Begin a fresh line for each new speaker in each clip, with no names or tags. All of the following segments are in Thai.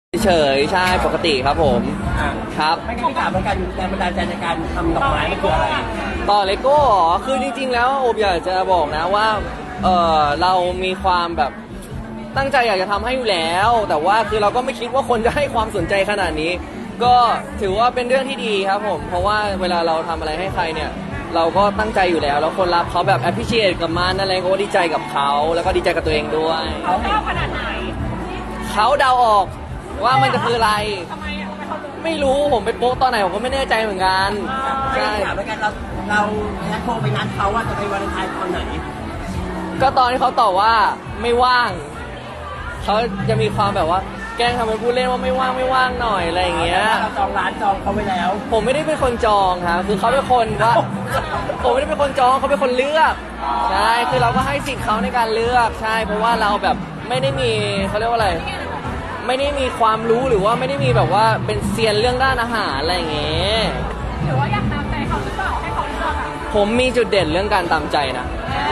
เฉยใช่ปกติครับผมครับ
ไม่งั้นพี่ถามเหมือนกันแรงบันดาลใจในการทำดอกไม้มันคืออะไร
ต่อเลโก้เหรอคือจริงๆแล้วโอบอยากจะบอกนะว่าเรามีความแบบตั้งใจอยากจะทำให้อยู่แล้วแต่ว่าคือเราก็ไม่คิดว่าคนจะให้ความสนใจขนาดนี้ก็ถือว่าเป็นเรื่องที่ดีครับผมเพราะว่าเวลาเราทำอะไรให้ใครเนี่ยเราก็ตั้งใจอยู่แล้วแล้วคนรับเขาแบบ appreciate กับมันอะไรก็ดีใจกับเขาแล้วก็ดีใจกับตัวเองด้วย
เขาเล่าขนาดไหน
เขาเดาออกว่ามันจะคืออะไร
ทำไมอ่ะทำไมเขารู้
ไม่รู้ผมไปโป๊ะตอนไหนผมก็ไม่แน่ใจเหมือนกัน
ใช่ถามเหมือนกันเราแอดโทรไปนัดเขาว่าจะไปวันเลนไทน์ตอนไหน
ก็ตอนที่เขาตอบว่าไม่ว่างเขาจะมีความแบบว่าแกล้งทำเป็นพูดเล่นว่าไม่ว่างหน่อยอะไรอย่างเงี้ย
เราจองร้านจองเขาไปแล้ว
ผมไม่ได้เป็นคนจองครับคือเขาเป็นคนว่าผมไม่ได้เป็นคนจองเขาเป็นคนเลือกใช่คือเราก็ให้สิทธิ์เขาในการเลือกใช่เพราะว่าเราแบบไม่ได้มีเขาเรียกว่าอะไรไม่ได้มีความรู้หรือว่าไม่ได้มีแบบว่าเป็นเซียนเรื่องด้านอาหารอะไรอย่างเงี้ย
หรือว่าอยากตามใจเขาหรือเปล่าให้เขาเลือกอ่ะ
ผมมีจุดเด่นเรื่องการตามใจนะ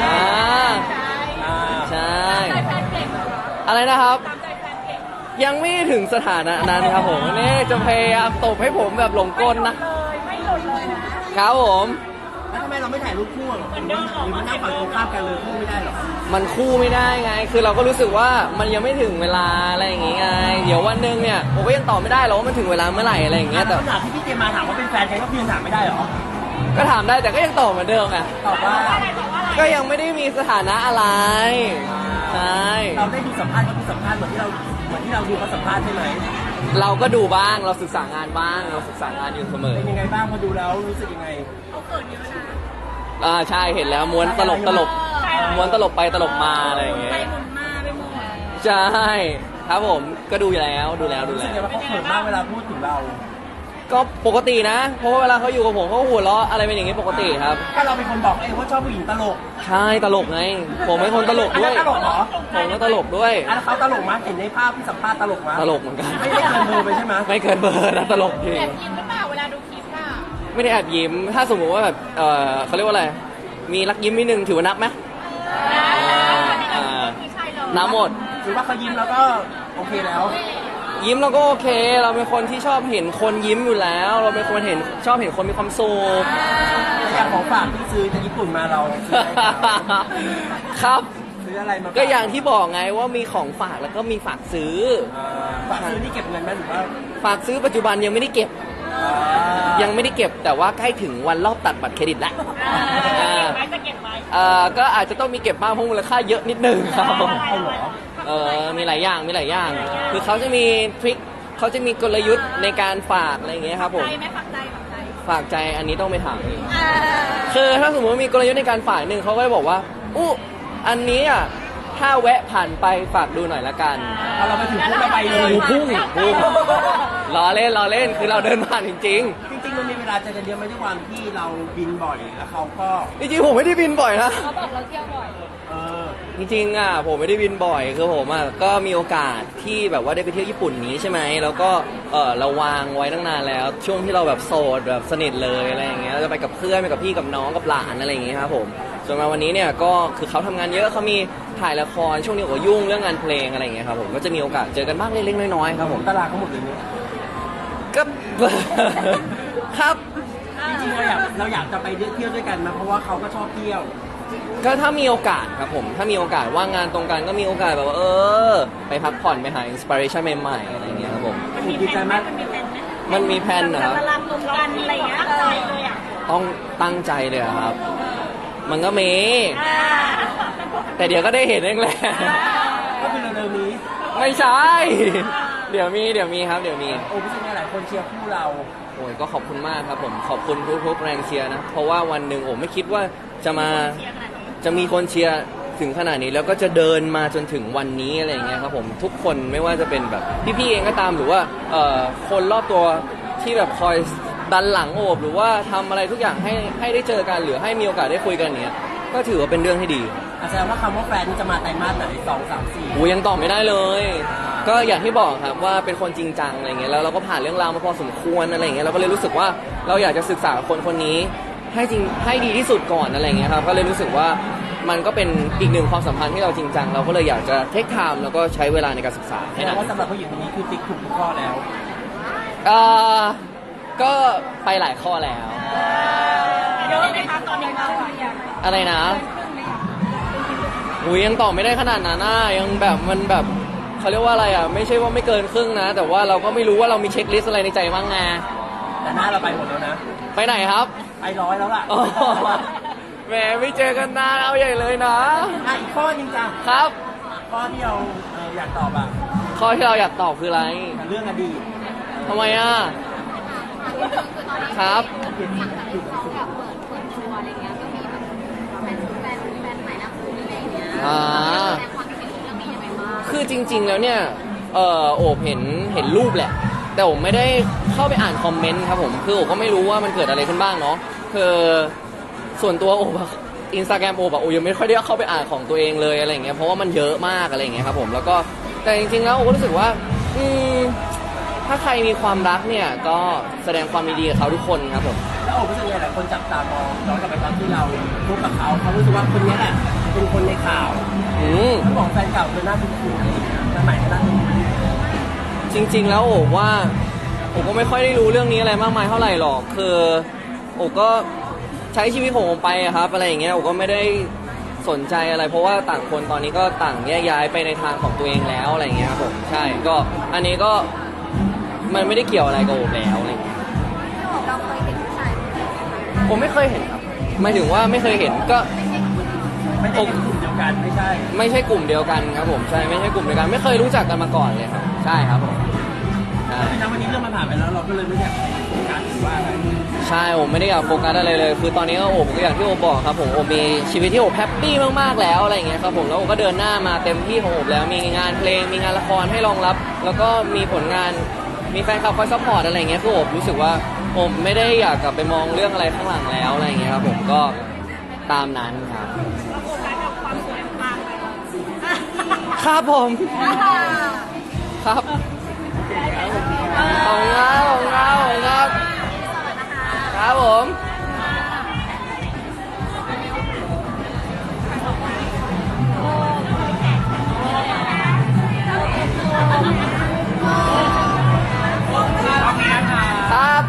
ใช่อะไรนะครับยังไม่ถึงสถานะนั้นครับผมนี่จะพยายามตบให้ผมแบบหลงกลนะ
ไม่หลุดเลย
ครับผม
แล้วทำไมเราไม่ถ่ายรูปคู่หรอหรือมันนั่งฝั่งตรงข้ามกันเลยคู่ไม่ได้หรอ
มันคู่ไม่ได้ไงคือเราก็รู้สึกว่ามันยังไม่ถึงเวลาอะไรอย่างงี้ไงเดี๋ยววันนึงเนี่ยผมก็ยังตอบไม่ได้หรอกว่ามันถึงเวลาเมื่อไหร่อะไรอย่างเงี้ยแต่
ขนาดที่พี่เจมาถามว่าเป็นแฟนกันก็พี่ยังถามไม่ได้หรอ
ก็ถามได้แต่ก็ยังตอบเหมือนเดิมไง
ตอบว่า
ก็ยังไม่ได้มีสถานะอะไรใช่
เราได้ดูสัมภาษณ์เขาดูสัมภาษณ์เหมือนที่เราดูเขาสัมภาษณ์ใช่ไหม
เราก็ดูบ้างเราศึกษางานบ้างเราศึกษางานอยู่เสมอ
เป็นยังไงบ้างพอดูแล้วรู้สึกยังไง
เขาเกิดเยอะนะ
ใช่เห็นแล้วม้วนตลบม้วนตลบไปตลบมาอะไรอย่างเงี้ย
ไปหมุนมาไปหมุน
ใช่ครับผมก็ดูแล้ว
รู้สึกว่าเขาเขินมากเวลาพูดถึงเรา
ก็ปกตินะเพราะว่าเวลาเขาอยู่กับผมเขาหัวเราะอะไรเป็นอย่างนี้ปกติครับ
ถ้าเราเป็นคนบอกเองว่าชอบผู้หญิงตลก
ใช่ตลกไงผมเป็นคนตลกด้วย
ตลกเหรอ
ผมก็ตลกด้วย
แล้วเขาตลกมั้ยเห็นในภาพที่สัมภาษณ์ตลกมั้ย
ตลกเหมือนกัน
ไม่ได้เกินเบอร์ไปใช่ไหม
ไม่เกินเบอร์นะตลกจริง
แอบยิ้มหรือเปล่าเวลาดูคลิปน่ะ
ไม่ได้แอบยิ้มถ้าสมมติว่าแบบเขาเรียกว่าอะไรมีรักยิ้มนิดนึงถือว่านับไหมนับหมด
ถือว่าเขายิ้มแล้วก็โอเคแล้ว
ยิ้มเราก็โอเคเราเป็นคนที่ชอบเห็นคนยิ้มอยู่แล้วเราเป็นคนชอบเห็นคนมีความสุข
อย่างของฝากที่ซื้อจากญี่ปุ่นมาเรา
ครับ
ซื้ออะไรมา
ก็อย่างที่บอกไงว่ามีของฝากแล้วก็มีฝากซื้อ
ฝากซื้อนี่เก็บเงินไหมหรือว่า
ฝากซื้อปัจจุบันยังไม่ได้เก็บแต่ว่าใกล้ถึงวันรอบตัดบัตรเครดิตแล้ว
จะเก็บไว้
ก็อาจจะต้องมีเก็บบ้างเพราะมูลค่าเยอะนิดนึงครับมีหลายอย่างคือเขาจะมีทริคเขาจะมีกลยุทธ์ในการฝากอะไรอย่างเงี้ยครับผมฝากใจอันนี้ต้องไปถามคือถ้าสมมติมีกลยุทธ์ในการฝากหนึ่งเขาก็จะบอกว่าอันนี้อ่ะถ้าแวะผ่านไปฝากดูหน่อยละกัน
เราไปถึงพุ่งไปเลย
พุ่งล้อเล่นคือเราเดินผ่านจริง
มันมีเวลาจะเดียวไม่ได้ความที่เราบินบ่อยแล้วเขาก็
จริงๆผมไม่ได้บินบ่อยนะ
เขาบอกเราเที่ยวบ่อย
จริงๆผมไม่ได้บินบ่อยคือผมก็มีโอกาสที่แบบว่าได้ไปเที่ยวญี่ปุ่นนี้ใช่ไหมแล้วก็เราวางไว้ตั้งนานแล้วช่วงที่เราแบบโสดแบบสนิทเลยอะไรอย่างเงี้ยเราจะไปกับเพื่อนไปกับพี่กับน้องกับหลานอะไรอย่างเงี้ยครับผมจนมาวันนี้เนี่ยก็คือเขาทำงานเยอะเขามีถ่ายละครช่วงนี้ก็ยุ่งเรื่องงานเพลงอะไรอย่างเงี้ยครับผมก็จะมีโอกาสเจอกันบ้างเล็กๆน้อยๆครับผม
ตลาดเขาหมดเลยเนี่ย
ก็ครับ
จริงๆเราอยากจะไปเที่ยวด้วยกันนะเพราะว่าเขาก็ชอบเที่ยว
ก็ถ้ามีโอกาสครับผมถ้ามีโอกาสว่างงานตรงกันก็มีโอกาสแบบว่าไปพักผ่อนไปหาอินสปิเรชันใหม่ๆอะไรอย่างเงี้ยครับผม
ดีใจมาก
มันมีแพลนนะครับ
ตารางรวมกันอะไรอย่างเงี้ย
ต้องตั้งใจเลยครับมันก็มีแต่เดี๋ยวก็ได้เห็นเองแหละ
ก็คือเร็วๆนี้
ไม่ใช่เดี๋ยวมีครับเดี๋ยวมี
พี่ซิ่งหลายคนเชียร์คู่เรา
โอ้ยก็ขอบคุณมากครับผมขอบคุณทุกแรงเชียร์นะเพราะว่าวันหนึ่งไม่คิดว่าจะมีคนเชียร์ถึงขนาดนี้แล้วก็จะเดินมาจนถึงวันนี้อะไรอย่างเงี้ยครับผมทุกคนไม่ว่าจะเป็นแบบพี่ๆเองก็ตามหรือว่าคนรอบตัวที่แบบคอยดันหลังโอบหรือว่าทำอะไรทุกอย่างให้ได้เจอกันหรือให้มีโอกาสได้คุยกันเนี้ยก็ถือว่าเป็นเรื่องที่ดี
แสดงว่าคำว่าแฟนนี่จะมาไตรมาสไหน2, 3, 4
ยังตอบไม่ได้เลยก็อย่างที่บอกครับว่าเป็นคนจริงจังอะไรเงี้ยแล้วเราก็ผ่านเรื่องราวมาพอสมควรอะไรเงี้ยเราก็เลยรู้สึกว่าเราอยากจะศึกษาคนนี้ให้ดีที่สุดก่อนอะไรเงี้ยครับก็เลยรู้สึกว่ามันก็เป็นอีกหนึ่งความสัมพันธ์ที่เราจริงจังเราก็เลยอยากจะเทคไทม์แล้วก็ใช้เวลาในการศึกษา
แส
ให้
ด
นาง น
ว่าสำหรับผู้หญิงคนนี้คือติ๊กถูกทุกข้อแล้ว
เอ่อก็ไปหลายข้อแล้ว
เยอะไหมคะตอนนี้เราอะ
อะไรนะหูยยังตอบไม่ได้ขนาดนั้นนะยังแบบมันแบบเขาเรียกว่าอะไรอ่ะไม่ใช่ว่าไม่เกินครึ่งนะ แต่ว่าเราก็ไม่รู้ว่าเรามีเช็คลิสต์อะไรในใจบ้างไง
แต่หน้าเราไปหมดแล้วนะ
ไปไหนครับ
ไป100แล้วล่ะ
อ๋อแหมไม่เจอกันนานเอาใหญ่เลยนะ
อีกข้อหนึงจ้ะ
ครับ
ข้อที่เราอยากตอบอ่ะ
ข้อที่เราอยากตอบคืออะไร
เรื่องอดีต
ทำไมอ่ะครับ อ่าคือจริง ๆ แล้วเนี่ยโอบเห็นรูปแหละ แต่ผมไม่ได้เข้าไปอ่านคอมเมนต์ครับผมคือโอบก็ไม่รู้ว่ามันเกิดอะไรขึ้นบ้างเนาะคือส่วนตัวโอบอินสตาแกรมโอบยังไม่ค่อยได้เข้าไปอ่านของตัวเองเลยอะไรอย่างเงี้ยเพราะว่ามันเยอะมากอะไรอย่างเงี้ยครับผมแล้วก็แต่จริงๆแล้วโอบก็รู้สึกว่าถ้าใครมีความรักเนี่ยก็แสดงความยินดีกับเขาทุกคนครับผม
แล้วโอ้รู้สึกไงหลายคนจับตามองย้อนกลับไปตอนที่เราพบกับเขารู้สึกว่าคนนี้แหละเป็นคนในข่าว
อืม
เขาบอกแฟนเก่าเป็นหน้าคุ้นๆอะไรอย่างเงี้ยแต่ใหม่ก็หน้าคุ้น
จริงๆแล้วโอบว่าโอบก็ไม่ค่อยได้รู้เรื่องนี้อะไรมากมายเท่าไหร่หรอกคือโอบก็ใช้ชีวิตของผมไปอะครับอะไรอย่างเงี้ยโอบก็ไม่ได้สนใจอะไร เพราะว่าต่างคนตอนนี้ก็ต่างแยกย้ายไปในทางของตัวเองแล้วอะไรอย่างเงี้ยครับผมใช่ก็อันนี้ก็มันไม่ได้เกี่ยวอะไรกับโอบแล้วอะไรอย่างเงี้ยผมไม่เคยเห็นครับหมายถึงว่าไม่เคยเห็นก็
ๆไม่ได้เป็นกลุ่มเดียวกันไม่ใช่
ไม่ใช่กลุ่มเดียวกันครับผมใช่ไม่ใช่กลุ่มเดียวกันไม่เคยรู้จักกันมาก่อนเลยครับใช่ครับผมใช่
แต่วันนี้เรื่องมันผ่านไปแล้วเราก็เลยไม่อยากไปโฟกัสหรือว่าอะไร
ใช่ผมไม่ได้อยากโฟกัสอะไรเลย คือตอนนี้ก็โอบก็อย่างที่โอบบอกครับผมโอบมีชีวิตที่โอบแฮปปี้มากๆแล้วอะไรอย่างเงี้ยครับผมแล้วโอบก็เดินหน้ามาเต็มที่ของโอบแล้วมีงานเพลงมีงานละครให้รองรับ แล้วก็มีผลงานมีแฟนคลับคอยซัพพอร์ตอะไรอย่างเงี้ยคือโอบรู้สึกว่าโอบไม่ได้อยากกลับไปมองเรื่องอะไรข้างหลังแล้วอะไรอย่างเงี้ยครับผมก็ตามนั้นครับ
เราโฟกัสกับความสวยมากเลย
ครับผมครับ
โอเค